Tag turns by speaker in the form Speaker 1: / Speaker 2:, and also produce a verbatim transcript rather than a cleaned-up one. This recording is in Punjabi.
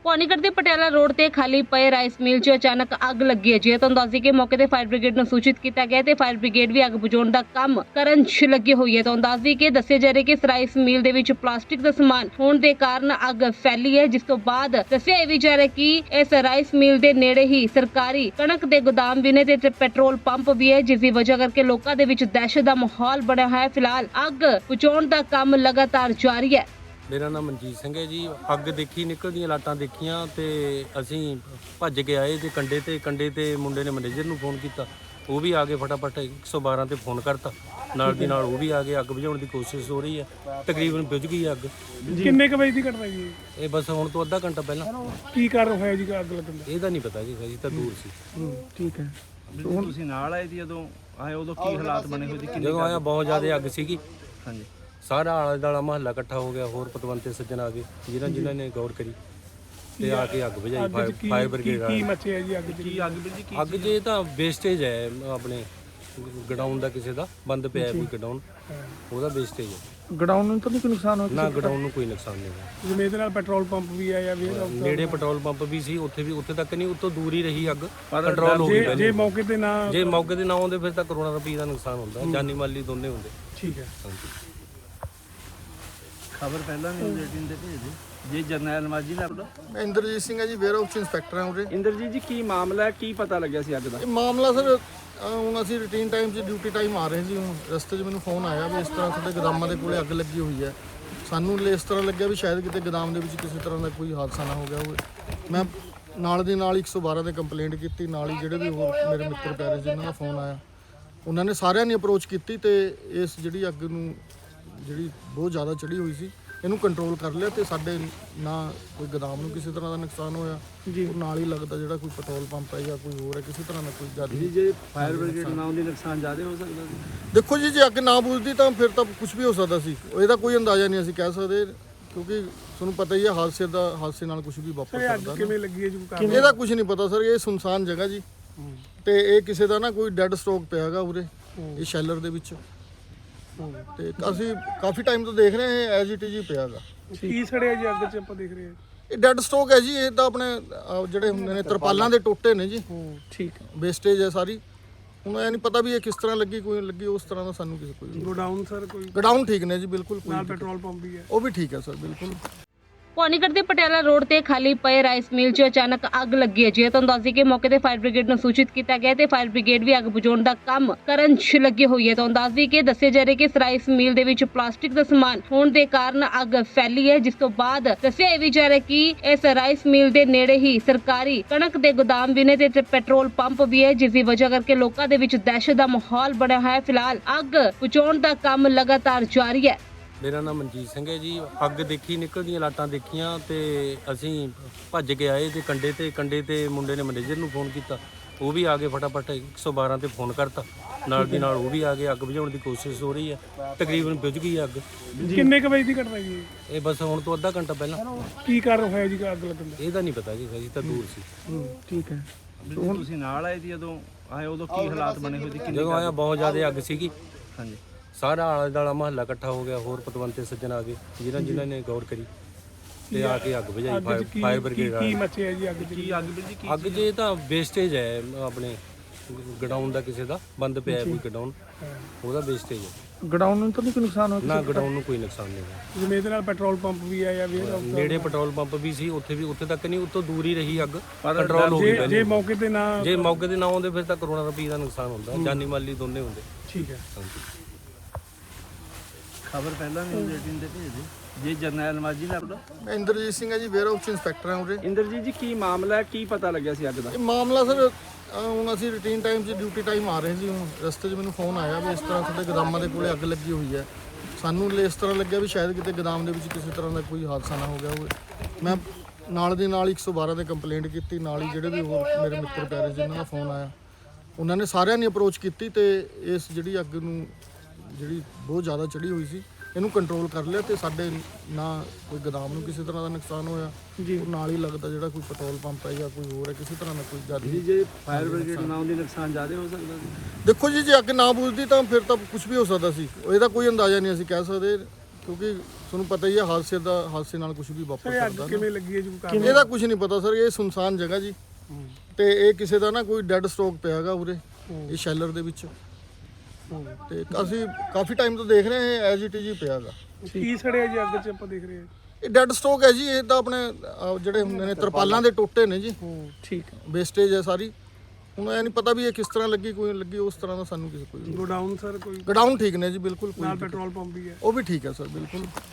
Speaker 1: ਭਵਾਨੀਗੜ੍ਹ ਦੇ ਪਟਿਆਲਾ ਰੋਡ ਤੇ ਖਾਲੀ ਪਏ ਰਾਈਸ ਮਿਲ 'ਚ ਅਚਾਨਕ ਅੱਗ ਲੱਗੀ ਹੈ। ਜੇ ਤੁਹਾਨੂੰ ਦੱਸ ਦਈਏ ਕਿ ਮੌਕੇ ਤੇ ਫਾਇਰ ਬ੍ਰਿਗੇਡ ਨੂੰ ਸੂਚਿਤ ਕੀਤਾ ਗਿਆ ਤੇ ਫਾਇਰ ਬ੍ਰਿਗੇਡ ਵੀ ਅੱਗ ਬੁਝਾਉਣ ਦਾ ਕੰਮ ਕਰਨ 'ਚ ਲੱਗੀ ਹੋਈ ਹੈ। ਤੁਹਾਨੂੰ ਦੱਸ ਦਈਏ ਕਿ ਦੱਸਿਆ ਜਾ ਰਿਹਾ ਕਿ ਇਸ ਰਾਈਸ ਮਿਲ ਦੇ ਵਿੱਚ ਪਲਾਸਟਿਕ ਦਾ ਸਮਾਨ ਹੋਣ ਦੇ ਕਾਰਨ ਅੱਗ ਫੈਲੀ ਹੈ, ਜਿਸ ਤੋਂ ਬਾਅਦ ਦੱਸਿਆ ਇਹ ਵੀ ਜਾ ਰਿਹਾ ਕਿ ਇਸ ਰਾਈਸ ਮਿਲ ਦੇ ਨੇੜੇ ਹੀ ਸਰਕਾਰੀ ਕਣਕ ਦੇ ਗੋਦਾਮ ਵੀ ਨੇ ਤੇ ਪੈਟਰੋਲ ਪੰਪ ਵੀ ਹੈ, ਜਿਸ ਦੀ ਵਜ੍ਹਾ ਕਰਕੇ ਲੋਕਾਂ ਦੇ ਵਿੱਚ ਦਹਿਸ਼ਤ ਦਾ ਮਾਹੌਲ ਬਣਿਆ ਹੋਇਆ ਹੈ। ਫਿਲਹਾਲ ਅੱਗ ਬੁਝਾਉਣ ਦਾ ਕੰਮ ਲਗਾਤਾਰ ਜਾਰੀ ਹੈ।
Speaker 2: ਮੇਰਾ ਨਾਮ ਮਨਜੀਤ ਸਿੰਘ ਹੈ ਜੀ। ਅੱਗ ਦੇਖੀ, ਨਿਕਲਦੀਆਂ ਲਾਟਾਂ ਦੇਖੀਆਂ ਤੇ ਅਸੀਂ ਭੱਜ ਕੇ ਆਏ ਤੇ ਕੰਡੇ ਤੇ ਕੰਡੇ ਤੇ ਮੁੰਡੇ ਨੇ ਮੈਨੇਜਰ ਨੂੰ ਫੋਨ ਕੀਤਾ, ਉਹ ਵੀ ਆ ਕੇ ਫਟਾਫਟ ਇੱਕ ਸੌ ਬਾਰਾਂ ਤੇ ਫੋਨ ਕਰਤਾ। ਨਾਲ ਦੀ ਨਾਲ ਉਹ ਵੀ ਆ ਗਏ। ਅੱਗ ਬੁਝਾਉਣ ਦੀ ਕੋਸ਼ਿਸ਼ ਹੋ ਰਹੀ ਹੈ, ਤਕਰੀਬਨ ਬੁਝ ਗਈ ਅੱਗ।
Speaker 3: ਕਿੰਨੇ ਕ ਵਜੇ ਦੀ ਘਟਨਾ ਜੀ
Speaker 2: ਇਹ ਬਸ ਹੁਣ ਤੋਂ ਅੱਧਾ ਘੰਟਾ ਪਹਿਲਾਂ।
Speaker 3: ਕੀ ਕਾਰਨ ਹੋਇਆ ਜੀ ਅੱਗ ਲੱਗਣ ਦਾ?
Speaker 2: ਇਹਦਾ ਨਹੀਂ ਪਤਾ ਜੀ, ਜੀ ਤਾਂ ਦੂਰ ਸੀ।
Speaker 3: ਠੀਕ ਹੈ।
Speaker 4: ਹੁਣ ਤੁਸੀਂ ਨਾਲ ਆਏ ਸੀ ਜਦੋਂ ਆਏ, ਉਦੋਂ ਕੀ ਹਾਲਾਤ ਬਣੇ ਹੋਏ ਸੀ? ਕਿੰਨੀ
Speaker 2: ਜਦੋਂ ਆਇਆ ਬਹੁਤ ਜ਼ਿਆਦਾ ਅੱਗ ਸੀਗੀ।
Speaker 4: ਹਾਂਜੀ,
Speaker 2: ਸਾਰਾ ਆਲਾ ਦਾਲਾ ਮਹੱਲਾ ਇਕੱਠਾ ਹੋ ਗਿਆ, ਹੋਰ ਪਤਵੰਤੇ ਸੱਜਣ ਆ ਗਏ ਜਿਨ੍ਹਾਂ ਜਿਨ੍ਹਾਂ ਨੇ ਗੌਰ ਕਰੀ ਤੇ ਆ ਕੇ ਅੱਗ ਬੁਝਾਈ।
Speaker 3: ਅੱਗ 'ਚ ਕੀ
Speaker 2: ਫਾਇਰ
Speaker 3: ਕੀ
Speaker 2: ਬ੍ਰਿਗੇਡ
Speaker 3: ਕੀ ਮੱਚਿਆ ਜੀ ਅੱਗ 'ਚ?
Speaker 4: ਕੀ ਅੱਗ ਵੀ ਜੀ? ਕੀ
Speaker 2: ਅੱਗ ਜੇ ਤਾਂ ਵੇਸਟੇਜ ਹੈ ਆਪਣੇ ਗਡਾਊਨ ਦਾ, ਕਿਸੇ ਦਾ ਬੰਦ ਪਿਆ ਹੈ ਕੋਈ ਗਡਾਊਨ, ਉਹਦਾ ਵੇਸਟੇਜ ਹੈ।
Speaker 3: ਗਡਾਊਨ ਨੂੰ ਤਾਂ ਨਹੀਂ ਕੋਈ ਨੁਕਸਾਨ ਹੋਇਆ?
Speaker 2: ਨਾ ਗਡਾਊਨ ਨੂੰ ਕੋਈ ਨੁਕਸਾਨ ਨਹੀਂ ਹੋਇਆ।
Speaker 3: ਜਿਵੇਂ ਇਹਦੇ ਨਾਲ ਪੈਟਰੋਲ ਪੰਪ ਵੀ ਆ ਜਾਂ ਵੀ
Speaker 2: ਨੇੜੇ ਪੈਟਰੋਲ ਪੰਪ ਵੀ ਸੀ, ਉੱਥੇ ਵੀ ਉੱਥੇ ਤੱਕ ਨਹੀਂ, ਉੱਤੋਂ ਦੂਰ ਹੀ ਰਹੀ ਅੱਗ। ਕੰਟਰੋਲ ਹੋ ਗਈ
Speaker 3: ਜੇ
Speaker 2: ਪਹਿਲੇ।
Speaker 3: ਮੌਕੇ ਤੇ ਨਾ
Speaker 2: ਜੇ ਮੌਕੇ ਤੇ ਨਾ ਆਉਂਦੇ ਫਿਰ ਤਾਂ ਕਰੋੜਾਂ ਰੁਪਏ ਦਾ ਨੁਕਸਾਨ ਹੁੰਦਾ, ਜਾਨੀ ਮਾਲੀ ਦੋਨੇ ਹੁੰਦੇ।
Speaker 3: ਠੀਕ ਹੈ।
Speaker 4: ਖਬਰ ਪਹਿਲਾਂ ਨਿਊਜ਼ ਏਟੀਨ ਤੇ ਭੇਜ ਦਿਓ ਜੀ। ਜਰਨੈਲ ਮਾਜੀ ਦਾ ਆਪਣਾ
Speaker 5: ਮੈਂ ਇੰਦਰਜੀਤ ਸਿੰਘ ਹੈ ਜੀ, ਵੇਅਰ ਹਾਊਸ ਇੰਸਪੈਕਟਰ ਹਾਂ ਉਰੇ।
Speaker 4: ਇੰਦਰਜੀਤ ਜੀ, ਕੀ ਮਾਮਲਾ ਹੈ? ਕੀ ਪਤਾ ਲੱਗਿਆ ਸੀ ਅੱਗ ਦਾ?
Speaker 5: ਇਹ ਮਾਮਲਾ ਸਰ, ਹੁਣ ਅਸੀਂ ਰੂਟੀਨ ਟਾਈਮ 'ਚ ਡਿਊਟੀ ਟਾਈਮ ਆ ਰਹੇ ਸੀ। ਹੁਣ ਰਸਤੇ 'ਚ ਮੈਨੂੰ ਫੋਨ ਆਇਆ ਵੀ ਇਸ ਤਰ੍ਹਾਂ ਸਾਡੇ ਗੋਦਾਮਾਂ ਦੇ ਕੋਲੇ ਅੱਗ ਲੱਗੀ ਹੋਈ ਹੈ। ਸਾਨੂੰ ਇਸ ਤਰ੍ਹਾਂ ਲੱਗਿਆ ਵੀ ਸ਼ਾਇਦ ਕਿਤੇ ਗੋਦਾਮ ਦੇ ਵਿੱਚ ਕਿਸੇ ਤਰ੍ਹਾਂ ਦਾ ਕੋਈ ਹਾਦਸਾ ਨਾ ਹੋ ਗਿਆ ਹੋਵੇ। ਮੈਂ ਨਾਲ ਦੀ ਨਾਲ ਇੱਕ ਸੌ ਬਾਰਾਂ ਤੇ ਕੰਪਲੇਂਟ ਕੀਤੀ। ਨਾਲ ਹੀ ਜਿਹੜੇ ਵੀ ਹੋਰ ਮੇਰੇ ਮਿੱਤਰ ਪਿਆਰੇ ਸੀ ਉਹਨਾਂ ਦਾ ਫੋਨ ਆਇਆ, ਉਹਨਾਂ ਨੇ ਸਾਰਿਆਂ ਨੇ ਅਪਰੋਚ ਕੀਤੀ ਤੇ ਇਸ ਜਿਹੜੀ ਅੱਗ ਨੂੰ ਜਿਹੜੀ ਬਹੁਤ ਜ਼ਿਆਦਾ ਚੜੀ ਹੋਈ ਸੀ ਇਹਨੂੰ ਕੰਟਰੋਲ ਕਰ ਲਿਆ ਤੇ ਸਾਡੇ ਨਾ ਕੋਈ ਗੋਦਾਮ ਨੂੰ ਕਿਸੇ ਤਰ੍ਹਾਂ ਦਾ ਨੁਕਸਾਨ ਹੋਇਆ ਜੀ। ਨਾਲ ਹੀ ਲੱਗਦਾ ਜਿਹੜਾ ਕੋਈ ਪੈਟਰੋਲ ਪੰਪ ਹੈ ਜਾਂ ਕੋਈ ਹੋਰ ਹੈ, ਕਿਸੇ ਤਰ੍ਹਾਂ ਦਾ ਕੋਈ ਜ਼ਿਆਦਾ
Speaker 4: ਜੀ ਜੇ ਫਾਇਰ ਬ੍ਰਿਗੇਡ ਨਾ ਆਉਂਦੀ ਨੁਕਸਾਨ ਜ਼ਿਆਦਾ ਹੋ ਸਕਦਾ ਸੀ?
Speaker 5: ਦੇਖੋ ਜੀ, ਜੇ ਅੱਗ ਨਾ ਬੁਝਦੀ ਤਾਂ ਫਿਰ ਤਾਂ ਕੁਝ ਵੀ ਹੋ ਸਕਦਾ ਸੀ। ਇਹਦਾ ਕੋਈ ਅੰਦਾਜ਼ਾ ਨਹੀਂ ਅਸੀਂ ਕਹਿ ਸਕਦੇ, ਕਿਉਂਕਿ ਤੁਹਾਨੂੰ ਪਤਾ ਹੀ ਹੈ ਹਾਦਸੇ ਦਾ ਹਾਦਸੇ ਨਾਲ ਕੁਝ ਵੀ ਵਾਪਰ ਸਕਦਾ।
Speaker 3: ਕਿਵੇਂ ਲੱਗੀ ਹੈ ਜੀ? ਕਾਰਨ
Speaker 5: ਇਹਦਾ ਕੁਝ ਨਹੀਂ ਪਤਾ ਸਰ। ਇਹ ਸੁਨਸਾਨ ਜਗ੍ਹਾ ਜੀ ਤੇ ਇਹ ਕਿਸੇ ਦਾ ਨਾ ਕੋਈ ਡੈੱਡ ਸਟਾਕ ਪਿਆ ਹੈਗਾ ਉਰੇ ਇਹ ਸ਼ੈਲਰ ਦੇ ਵਿੱਚ, ਤੇ ਅਸੀਂ ਕਾਫੀ ਟਾਈਮ ਤੋਂ ਦੇਖ ਰਹੇ ਹਾਂ ਐਜ਼ ਇਟ ਇਜ਼ ਹੀ ਪਿਆ ਹੈਗਾ।
Speaker 3: ਕੀ ਸੜਿਆ ਜੀ ਅੱਗ 'ਚ? ਆਪਾਂ ਦੇਖ ਰਹੇ ਹਾਂ
Speaker 5: ਇਹ ਡੈੱਡ ਸਟਾਕ ਹੈ ਜੀ। ਇਹ ਤਾਂ ਆਪਣੇ ਅਹ, ਜਿਹੜੇ ਹੁੰਦੇ ਨੇ ਤਰਪਾਲਾਂ ਦੇ ਟੋਟੇ ਨੇ ਜੀ,
Speaker 3: ਠੀਕ ਹੈ।
Speaker 5: ਵੇਸਟੇਜ ਹੈ ਸਾਰੀ। ਹੁਣ ਇਹ ਨਹੀਂ ਪਤਾ ਵੀ ਇਹ ਕਿਸ ਤਰ੍ਹਾਂ ਲੱਗੀ, ਕੋਈ ਲੱਗੀ ਉਸ ਤਰ੍ਹਾਂ ਦਾ ਸਾਨੂੰ ਕਿਸੇ ਕੋਈ।
Speaker 3: ਗੋਡਾਊਨ ਸਰ ਕੋਈ
Speaker 5: ਗੋਡਾਊਨ ਠੀਕ ਨੇ ਜੀ, ਬਿਲਕੁਲ ਕੋਈ
Speaker 3: ਨਾਲ ਪੈਟਰੋਲ ਪੰਪ ਵੀ ਹੈ?
Speaker 5: ਉਹ ਵੀ ਠੀਕ ਹੈ ਸਰ, ਬਿਲਕੁਲ।
Speaker 1: ਭਵਾਨੀਗੜ੍ਹ ਦੇ ਪਟਿਆਲਾ ਰੋਡ ਤੇ ਖਾਲੀ ਪਏ ਰਾਈਸ ਮਿਲ 'ਚ ਅਚਾਨਕ ਅੱਗ ਲੱਗੀ ਹੈ। ਜੇ ਤੁਹਾਨੂੰ ਦੱਸ ਦਈਏ ਕਿ ਮੌਕੇ ਤੇ ਫਾਇਰ ਬ੍ਰਿਗੇਡ ਨੂੰ ਸੂਚਿਤ ਕੀਤਾ ਗਿਆ ਤੇ ਫਾਇਰ ਬ੍ਰਿਗੇਡ ਵੀ ਅੱਗ ਬੁਝਾਉਣ ਦਾ ਕੰਮ ਕਰਨ 'ਚ ਲੱਗੀ ਹੋਈ ਹੈ। ਤੁਹਾਨੂੰ ਦੱਸ ਦਈਏ ਕਿ ਦੱਸਿਆ ਜਾ ਰਿਹਾ ਕਿ ਇਸ ਰਾਈਸ ਮਿਲ ਦੇ ਵਿੱਚ ਪਲਾਸਟਿਕ ਦਾ ਸਮਾਨ ਹੋਣ ਦੇ ਕਾਰਨ ਅੱਗ ਫੈਲੀ ਹੈ, ਜਿਸ ਤੋਂ ਬਾਅਦ ਦੱਸਿਆ ਇਹ ਵੀ ਜਾ ਰਿਹਾ ਕਿ ਇਸ ਰਾਈਸ ਮਿਲ ਦੇ ਨੇੜੇ ਹੀ ਸਰਕਾਰੀ ਕਣਕ ਦੇ ਗੋਦਾਮ ਵੀ ਨੇ ਤੇ ਪੈਟਰੋਲ ਪੰਪ ਵੀ ਹੈ, ਜਿਸ ਦੀ ਵਜ੍ਹਾ ਕਰਕੇ ਲੋਕਾਂ ਦੇ ਵਿੱਚ ਦਹਿਸ਼ਤ ਦਾ ਮਾਹੌਲ ਬਣਿਆ ਹੋਇਆ ਹੈ। ਫਿਲਹਾਲ ਅੱਗ ਬੁਝਾਉਣ ਦਾ ਕੰਮ ਲਗਾਤਾਰ ਜਾਰੀ ਹੈ।
Speaker 2: ਮੇਰਾ ਨਾਮ ਮਨਜੀਤ ਸਿੰਘ ਹੈ ਜੀ। ਅੱਗ ਦੇਖੀ, ਨਿਕਲਦੀਆਂ ਲਾਟਾਂ ਦੇਖੀਆਂ ਤੇ ਅਸੀਂ ਭੱਜ ਕੇ ਆਏ ਤੇ ਕੰਡੇ ਤੇ ਕੰਡੇ ਤੇ ਮੁੰਡੇ ਨੇ ਮੈਨੇਜਰ ਨੂੰ ਫੋਨ ਕੀਤਾ, ਉਹ ਵੀ ਆ ਗਏ ਫਟਾਫਟ ਇੱਕ ਸੌ ਬਾਰਾਂ ਤੇ ਫੋਨ ਕਰਤਾ। ਨਾਲ ਦੀ ਨਾਲ ਉਹ ਵੀ ਆ ਗਏ। ਅੱਗ ਬੁਝਾਉਣ ਦੀ ਕੋਸ਼ਿਸ਼ ਹੋ ਰਹੀ ਹੈ, ਤਕਰੀਬਨ ਬੁਝ ਗਈ ਅੱਗ।
Speaker 3: ਕਿੰਨੇ ਕ ਵਜੇ ਦੀ ਘਟਨਾ ਜੀ?
Speaker 2: ਇਹ ਬਸ ਹੁਣ ਤੋਂ ਅੱਧਾ ਘੰਟਾ ਪਹਿਲਾਂ।
Speaker 3: ਕੀ ਕਾਰਨ ਹੋਇਆ ਜੀ ਅੱਗ ਲੱਗਣ ਦਾ?
Speaker 2: ਇਹਦਾ ਨਹੀਂ ਪਤਾ ਜੀ, ਜੀ ਤਾਂ ਦੂਰ ਸੀ।
Speaker 3: ਠੀਕ ਹੈ।
Speaker 4: ਹੁਣ ਤੁਸੀਂ ਨਾਲ ਆਏ ਸੀ ਜਦੋਂ ਆਏ, ਉਦੋਂ ਕੀ ਹਾਲਾਤ ਬਣੇ ਹੋਏ ਸੀ? ਕਿੰਨੀ
Speaker 2: ਜਦੋਂ ਆਇਆ ਬਹੁਤ ਜ਼ਿਆਦਾ ਅੱਗ ਸੀਗੀ।
Speaker 4: ਹਾਂਜੀ,
Speaker 2: ਸਾਰਾ ਆਲਾ ਦਾਲਾ ਮਹੱਲਾ ਇਕੱਠਾ ਹੋ ਗਿਆ, ਹੋਰ ਪਤਵੰਤੇ ਸੱਜਣ ਆ ਗਏ ਜਿਨ੍ਹਾਂ ਜਿਨ੍ਹਾਂ ਨੇ ਗੌਰ ਕਰੀ ਤੇ ਆ ਕੇ ਅੱਗ ਬੁਝਾਈ।
Speaker 3: ਅੱਗ 'ਚ ਕੀ
Speaker 2: ਫਾਇਰ
Speaker 3: ਕੀ
Speaker 2: ਬ੍ਰਿਗੇਡ
Speaker 3: ਕੀ ਮੱਚਿਆ ਜੀ ਅੱਗ 'ਚ?
Speaker 4: ਕੀ ਅੱਗ ਵੀ ਜੀ? ਕੀ
Speaker 2: ਅੱਗ ਜੇ ਤਾਂ ਵੇਸਟੇਜ ਹੈ ਆਪਣੇ ਗਡਾਊਨ ਦਾ, ਕਿਸੇ ਦਾ ਬੰਦ ਪਿਆ ਹੈ ਕੋਈ ਗਡਾਊਨ, ਉਹਦਾ ਵੇਸਟੇਜ ਹੈ।
Speaker 3: ਗਡਾਊਨ ਨੂੰ ਤਾਂ ਨਹੀਂ ਕੋਈ ਨੁਕਸਾਨ ਹੋਇਆ?
Speaker 2: ਨਾ ਗਡਾਊਨ ਨੂੰ ਕੋਈ ਨੁਕਸਾਨ ਨਹੀਂ ਹੋਇਆ।
Speaker 3: ਜਿਵੇਂ ਇਹਦੇ ਨਾਲ ਪੈਟਰੋਲ ਪੰਪ ਵੀ ਆ ਜਾਂ ਵੀ
Speaker 2: ਨੇੜੇ ਪੈਟਰੋਲ ਪੰਪ ਵੀ ਸੀ, ਉੱਥੇ ਵੀ ਉੱਥੇ ਤੱਕ ਨਹੀਂ, ਉੱਤੋਂ ਦੂਰ ਹੀ ਰਹੀ ਅੱਗ। ਕੰਟਰੋਲ ਹੋ ਗਈ
Speaker 3: ਜੇ
Speaker 2: ਪਹਿਲੇ।
Speaker 3: ਮੌਕੇ ਤੇ ਨਾ
Speaker 2: ਜੇ ਮੌਕੇ ਤੇ ਨਾ ਆਉਂਦੇ ਫਿਰ ਤਾਂ ਕਰੋੜਾਂ ਰੁਪਏ ਦਾ ਨੁਕਸਾਨ ਹੁੰਦਾ, ਜਾਨੀ ਮਾਲੀ ਦੋਨੇ ਹੁੰਦੇ।
Speaker 3: ਠੀਕ ਹੈ।
Speaker 4: ਖਬਰ ਪਹਿਲਾਂ ਨਿਊਜ਼ ਏਟੀਨ ਤੇ ਭੇਜ ਦਿਓ ਜੀ। ਜਰਨੈਲ ਮਾਜੀ ਦਾ ਆਪਣਾ
Speaker 5: ਮੈਂ ਇੰਦਰਜੀਤ ਸਿੰਘ ਹੈ ਜੀ, ਵੇਅਰ ਹਾਊਸ ਇੰਸਪੈਕਟਰ ਹਾਂ ਉਰੇ।
Speaker 4: ਇੰਦਰਜੀਤ ਜੀ, ਕੀ ਮਾਮਲਾ ਹੈ? ਕੀ ਪਤਾ ਲੱਗਿਆ ਸੀ ਅੱਗ ਦਾ?
Speaker 5: ਇਹ ਮਾਮਲਾ ਸਰ, ਹੁਣ ਅਸੀਂ ਰੂਟੀਨ ਟਾਈਮ 'ਚ ਡਿਊਟੀ ਟਾਈਮ ਆ ਰਹੇ ਸੀ। ਹੁਣ ਰਸਤੇ 'ਚ ਮੈਨੂੰ ਫੋਨ ਆਇਆ ਵੀ ਇਸ ਤਰ੍ਹਾਂ ਸਾਡੇ ਗੋਦਾਮਾਂ ਦੇ ਕੋਲੇ ਅੱਗ ਲੱਗੀ ਹੋਈ ਹੈ। ਸਾਨੂੰ ਇਸ ਤਰ੍ਹਾਂ ਲੱਗਿਆ ਵੀ ਸ਼ਾਇਦ ਕਿਤੇ ਗੋਦਾਮ ਦੇ ਵਿੱਚ ਕਿਸੇ ਤਰ੍ਹਾਂ ਦਾ ਕੋਈ ਹਾਦਸਾ ਨਾ ਹੋ ਗਿਆ ਹੋਵੇ। ਮੈਂ ਨਾਲ ਦੀ ਨਾਲ ਇੱਕ ਸੌ ਬਾਰਾਂ ਤੇ ਕੰਪਲੇਂਟ ਕੀਤੀ। ਨਾਲ ਹੀ ਜਿਹੜੇ ਵੀ ਹੋਰ ਮੇਰੇ ਮਿੱਤਰ ਪਿਆਰੇ ਸੀ ਉਹਨਾਂ ਦਾ ਫੋਨ ਆਇਆ, ਉਹਨਾਂ ਨੇ ਸਾਰਿਆਂ ਨੇ ਅਪਰੋਚ ਕੀਤੀ ਤੇ ਇਸ ਜਿਹੜੀ ਅੱਗ ਨੂੰ ਜਿਹੜੀ ਬਹੁਤ ਜ਼ਿਆਦਾ ਚੜੀ ਹੋਈ ਸੀ ਇਹਨੂੰ ਕੰਟਰੋਲ ਕਰ ਲਿਆ ਤੇ ਸਾਡੇ ਨਾ ਕੋਈ ਗੋਦਾਮ ਨੂੰ ਕਿਸੇ ਤਰ੍ਹਾਂ ਦਾ ਨੁਕਸਾਨ ਹੋਇਆ ਜੀ। ਨਾਲ ਹੀ ਲੱਗਦਾ ਜਿਹੜਾ ਕੋਈ ਪੈਟਰੋਲ ਪੰਪ ਹੈ ਜਾਂ ਕੋਈ ਹੋਰ ਹੈ, ਕਿਸੇ ਤਰ੍ਹਾਂ ਦਾ ਕੋਈ ਜ਼ਿਆਦਾ
Speaker 4: ਜੀ ਜੇ ਫਾਇਰ ਬ੍ਰਿਗੇਡ ਨਾ ਆਉਂਦੀ ਨੁਕਸਾਨ ਜ਼ਿਆਦਾ ਹੋ ਸਕਦਾ ਸੀ?
Speaker 5: ਦੇਖੋ ਜੀ, ਜੇ ਅੱਗ ਨਾ ਬੁਝਦੀ ਤਾਂ ਫਿਰ ਤਾਂ ਕੁਝ ਵੀ ਹੋ ਸਕਦਾ ਸੀ। ਇਹਦਾ ਕੋਈ ਅੰਦਾਜ਼ਾ ਨਹੀਂ ਅਸੀਂ ਕਹਿ ਸਕਦੇ, ਕਿਉਂਕਿ ਤੁਹਾਨੂੰ ਪਤਾ ਹੀ ਹੈ ਹਾਦਸੇ ਦਾ ਹਾਦਸੇ ਨਾਲ ਕੁਝ ਵੀ ਵਾਪਰ
Speaker 3: ਸਰ ਇਹ ਅੱਗ
Speaker 5: ਸਕਦਾ
Speaker 3: ਕਿਵੇਂ ਲੱਗੀ ਹੈ ਜੀ ਕੋਈ ਕਾਰਨ?
Speaker 5: ਇਹਦਾ ਕੁਝ ਨਹੀਂ ਪਤਾ ਸਰ, ਇਹ ਸੁਨਸਾਨ ਜਗ੍ਹਾ ਜੀ ਤੇ ਇਹ ਕਿਸੇ ਦਾ ਨਾ ਕੋਈ ਡੈੱਡ ਸਟਾਕ ਪਿਆ ਹੈਗਾ ਉਰੇ ਇਹ ਸ਼ੈਲਰ ਦੇ ਵਿੱਚ ਤੇ ਅਸੀਂ ਕਾਫੀ ਟਾਈਮ ਤੋਂ ਦੇਖ ਰਹੇ ਹਾਂ ਇਹ ਐਜ਼ ਇਟ ਇਜ਼ ਹੀ ਪਿਆ ਹੈਗਾ।
Speaker 3: ਕੀ ਸੜਿਆ ਜੀ ਅੱਗ 'ਚ ਆਪਾਂ ਦੇਖ ਰਹੇ ਹਾਂ?
Speaker 5: ਇਹ ਡੈੱਡ ਸਟਾਕ ਹੈ ਜੀ, ਇਹ ਤਾਂ ਆਪਣੇ ਅਹ, ਜਿਹੜੇ ਹੁੰਦੇ ਨੇ ਤਰਪਾਲਾਂ ਦੇ ਟੋਟੇ ਨੇ ਜੀ,
Speaker 3: ਹੂੰ ਠੀਕ ਹੈ।
Speaker 5: ਵੇਸਟੇਜ ਹੈ ਸਾਰੀ। ਹੁਣ ਇਹ ਨਹੀਂ ਪਤਾ ਵੀ ਇਹ ਕਿਸ ਤਰ੍ਹਾਂ ਲੱਗੀ, ਕੋਈ ਲੱਗੀ ਉਸ ਤਰ੍ਹਾਂ ਦਾ ਸਾਨੂੰ ਕਿਸੇ ਕੋਈ
Speaker 3: ਗੋਡਾਊਨ ਸਰ ਕੋਈ
Speaker 5: ਗਡਾਊਨ ਠੀਕ ਨੇ ਜੀ, ਬਿਲਕੁਲ ਕੋਈ
Speaker 3: ਨਾਲ
Speaker 5: ਦਿੱਕਤ-
Speaker 3: ਪੈਟਰੋਲ ਪੰਪ ਵੀ ਹੈ।
Speaker 5: ਉਹ ਵੀ ਠੀਕ ਹੈ ਸਰ, ਬਿਲਕੁਲ